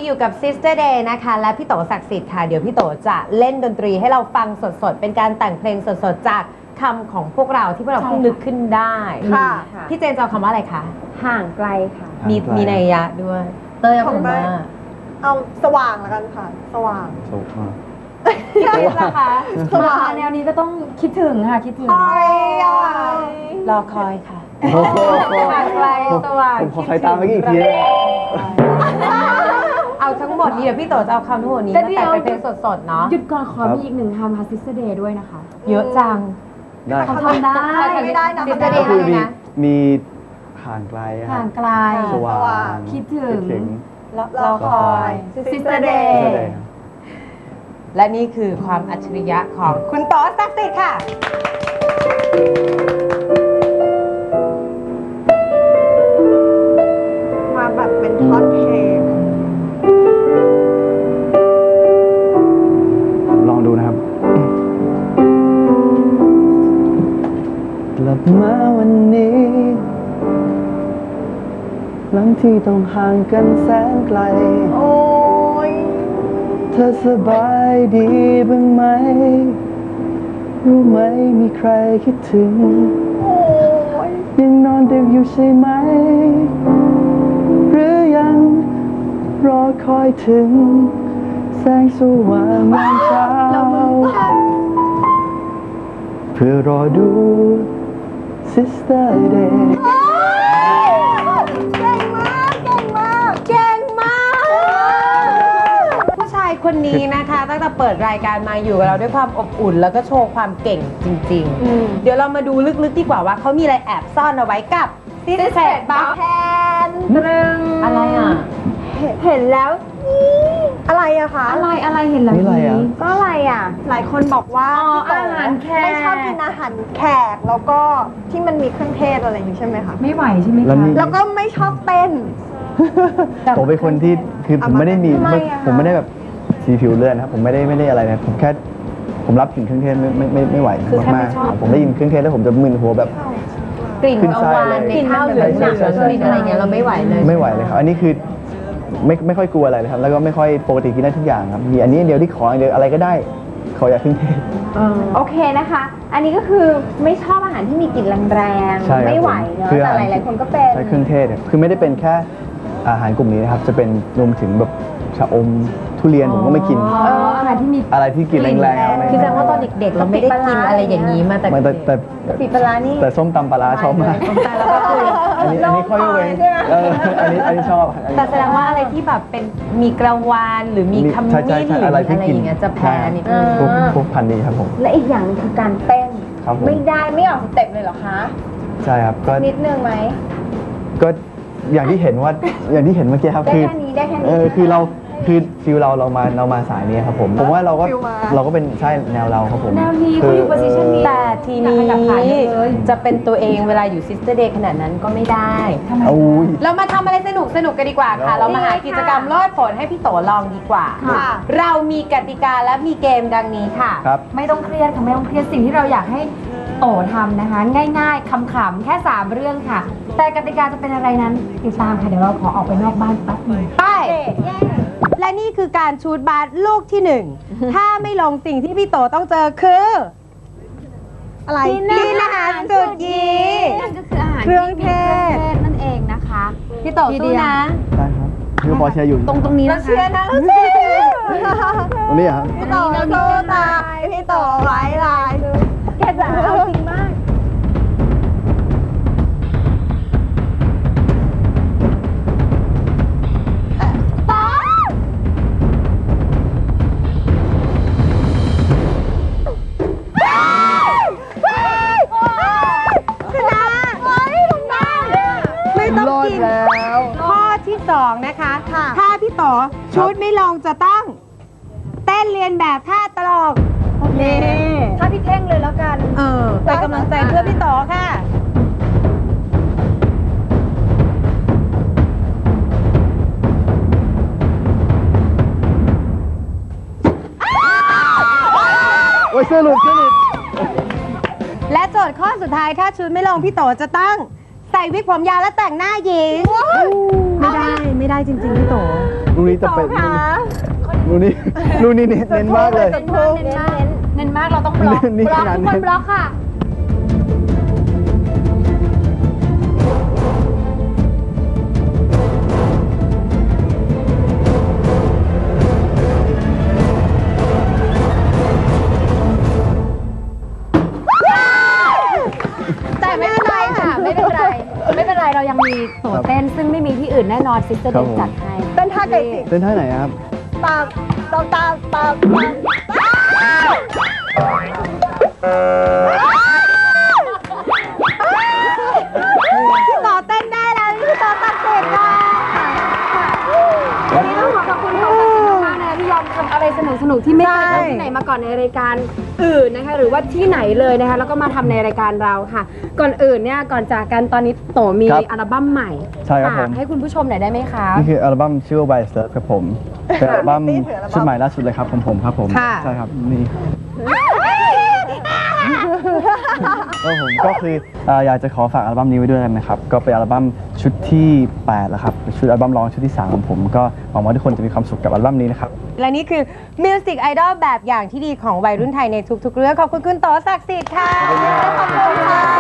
อยู่กับ Sister Day นะคะและพี่โตศักดิ์สิทธิ์ค่ะเดี๋ยวพี่โตจะเล่นดนตรีให้เราฟังสดๆเป็นการแต่งเพลงสดๆจากคำของพวกเราที่พวกเราเพิ่งนึกขึ้นได้ค่ะพี่เจนจะเอาคำว่าอะไรคะห่างไกลค่ะมีนัยยะด้วยเตยเอาคำว่าเอาสว่างแล้วกันค่ะ สว่างพี่คริสนะคะสว่างมาแนวนี้ก็ต้องคิดถึงค่ะคิดถึงรอคอยค่ะโอ้โหห่างไกลสว่างผมขอใครตามเมื่อกี้อีกทีนะเอาทั้งหมดนี้เดี๋ยวพี่โตจะเอาคำทั้งหมดนี้มาแต่งเป็นเพลงสดๆเนาะหยุดก่อนขอมีอีกหนึ่งคำค่ะ Sister Day ด้วยนะคะเยอะจังได้คเขารับทำได้ไม่ได้นะ Sister ก็ Day คืออะไรนะมีห่างไกลครัห่าบงไกลสว่างคิดถึงเราคอย Sister Day Day ครับและนี่คือความอัจฉริยะของคุณโตศักดิ์สิทธิ์ค่ะมาแบบเป็นท่อนเพลงลองดูนะครับ กลับมาวันนี้ หลังที่ต้องห่างกันแสนไกลโอ้ยเธอสบายดีบ้างไหม รู้ไหมมีใครคิดถึงโอ้ยยังนอนดึกอยู่ใช่ไหม หรือยังรอคอยถึง แสงสว่างยามเช้า เพื่อรอดู Sister Day เก่งมาก เก่งมากเก่งมาก ผู้ชายคนนี้นะคะ ตั้งแต่เปิดรายการมาอยู่กับเราด้วยความอบอุ่น แล้วก็โชว์ความเก่งจริงๆ เดี๋ยวเรามาดูลึกๆดีกว่าว่าเขามีอะไรแอบซ่อนเอาไว้กับ Sister บัคแทนตรึงอะไรอ่ะเห็นแล้วอะไรอะคะอะไรเห็นแล้วนี่อะไรอ่ะก็อะไรอ่ะหลายคนบอกว่าอ๋อพี่โตอาหารแขกไม่ชอบกินอาหารแขก แล้วก็ที่มันมีเครื่องเทศอะไรอย่างนี้ใช่ไหมคะไม่ไหวใช่ไหมแล้วคะนี่แล้วก็ไม่ชอบเต้นผมเป็นคนที่คือผมไม่ได้มีทำไมอะคะผมไม่ได้แบบสีผิวเลือดนะครับผมไม่ได้อะไรนะผมแค่ผมรับกลิ่นเครื่องเทศไม่ไหวคือแค่ไม่มากชอบๆผมได้ยินเครื่องเทศแล้วผมจะมึนหัวแบบกลิ่นขึ้นเอาไส้วานเลยในข้าวเหลืองใช่หนักใช่ใช่กลิ่นอะไรเงี้ยเราไม่ไหวเลยไม่ไหวเลยครับอันนี้คือไม่ค่อยกลัวอะไรเลยครับแล้วก็ไม่ค่อยปกติกินได้ทุกอย่างครับมีอันนี้อันเดียวที่ขออย่างเดียวอะไรก็ได้ขออย่าเครื่องเทศโอเคนะคะ อันนี้ก็คือไม่ชอบอาหารที่มีกลิ่นแรงใช่ครับไม่ไหวเนอะคือแต่อาหหารลายๆคนก็เป็นใช้เครื่องเทศเนี่ยคือไม่ได้เป็นแค่อาหารกลุ่มนี้นะครับจะเป็นรวมถึงแบบชะอมทุเรียนผมก็ไม่กินอาหารที่มีอะไรที่กินแรงๆไม่คือแสดงว่าตอนเด็กๆ เราไม่ได้กินอะไรอย่างนี้มาแต่ไม่แต่เด็กแต่ปิดปลาร้านี่แต่ส้มตำปลาร้าชอบมากแต่เราก็คืออันนี้ค่อยเว้นอันนี้ชอบแต่แสดงว่าอะไรที่แบบเป็นมีกระวานหรือมีขมิ้นหรืออะไรอย่างเงี้ยจะแพ้นิดนึงพวกพันธุ์นี้ครับผมและอีกอย่างหนึงคือการเต้นครับผมไม่ได้ไม่ออกสเต็ปเลยเหรอคะใช่ครับก็นิดนึงไหมก็อย่างที่เห็นว่าอย่างที่เห็นเมื่อกี้ครับได้คือแค่นี้ได้แค่นี้คือเราคือฟิลเรามาสายนี้ครับผมว่าเราก็ฟิลมาเราก็เป็นใช่แนวเราครับผมแนวนี้เขาอยู่ position นี้แต่ทีนี้อยากขยับขาเลยจะเป็นตัวเองเวลาอยู่ Sister Day ขนาดนั้นก็ไม่ได้ทำไมอุ้ยเรามาทำอะไรสนุกกันดีกว่าค่ะครับเรามาหากิจกรรมโลดผลให้พี่โตลองดีกว่าค่ะเรามีกติกาและมีเกมดังนี้ค่ะครับไม่ต้องเครียดค่ะไม่ต้องเครียดสิ่งที่เราอยากให้โตทำนะคะ ง่ายๆขำๆแค่ 3 เรื่องค่ะ แต่กติกาจะเป็นอะไรนั้นติดตามค่ะเดี๋ยวเราขอออกไปนอกบ้านแป๊บหนึงไป และนี่คือการชูดบาสลูกที่หนึ่ง ถ้าไม่ลงสิ่งที่พี่โตต้องเจอคืออะไรกินอาหารสุดยีนั่นก็คืออาหารเครื่องเทศนั่นเองนะคะพี่โตสู้นะได้ครับคือพอเชียร์อยู่ตรงนี้เรานะคะเชียร์นะเราเชียร์ตรงนี้เหรอครับพี่โตสู้ตายพี่โตไว้ลายแกจะเอาจริงมากชนะไม่ต้องรอดกินแล้วข้อที่ 2 นะคะค่ะถ้าพี่โตชุดไม่ลงจะต้อง เต้นเรียนแบบท่าตลกนี่ถ้าพี่เท่งเลยแล้วกันเป็นกำลังใจเพื่อพี่โตค่ะโอ้ยเสื้อหลุดและโจทย์ข้อสุดท้ายถ้าชุดไม่ลงพี่โตจะต้องใส่วิกผมยาวและแต่งหน้าหญิงไม่ได้ำไม่ได้จริงๆพี่โตลูกนี้จะเป็นลูกนี้เน้นมากเลยเน้นมากเราต้องบล็อกนี่บล็อกขนาดทุกคนเน้นบล็อกค่ะ แต่ไม่เป็นไรค่ะ ไม่เป็นไร ไม่เป็นไรเรายังมีโตเต้นซึ่งไม่มีที่อื่นแน่นอนซิสเตอร์เดนจัดให้เป็นท่าไก่จิกเต้นท่าไหนครับตามพี่โตเต้นได้แล้วพี่โตตัดเสร็จแล้ววันนี้ต้องขอขอบคุณโตตัดสินมากๆนะที่ยอมทำอะไรสนุกๆที่ไม่เคยทำที่ไหนมาก่อนในรายการอื่นนะคะหรือว่าที่ไหนเลยนะคะแล้วก็มาทำในรายการเราค่ะ ก่อนอื่นเนี่ยก่อนจากกันตอนนี้โตมีครับอัลบั้มใหม่ใช่ครับผมฝากให้คุณผู้ชมหน่อยได้ไหมคะนี่คืออัลบั้มชื่อว่า By Surf ครับผม เป็นอัลบั้มชุดใหม่ล่าสุดเลยครับของผมครับผมค่ะใช่ครับนี่ก็ผมก็คืออยากจะขอฝากอัลบั้มนี้ไว้ด้วยกันนะครับ ก็เป็นอัลบั้มชุดที่8แล้วครับเป็นชุดอัลบั้มร้องชุดที่3ของผมก็หวังว่าทุกคนจะมีความสุขกับอัลบั้มนี้นะครับและนี่คือมิวสิกไอดอลแบบอย่างที่ดีของวัยรุ่นไทยในทุกๆเรื่องขอบคุณคุณโตศักดิ์สิทธิ์ค่ะขอบคุณค่ะ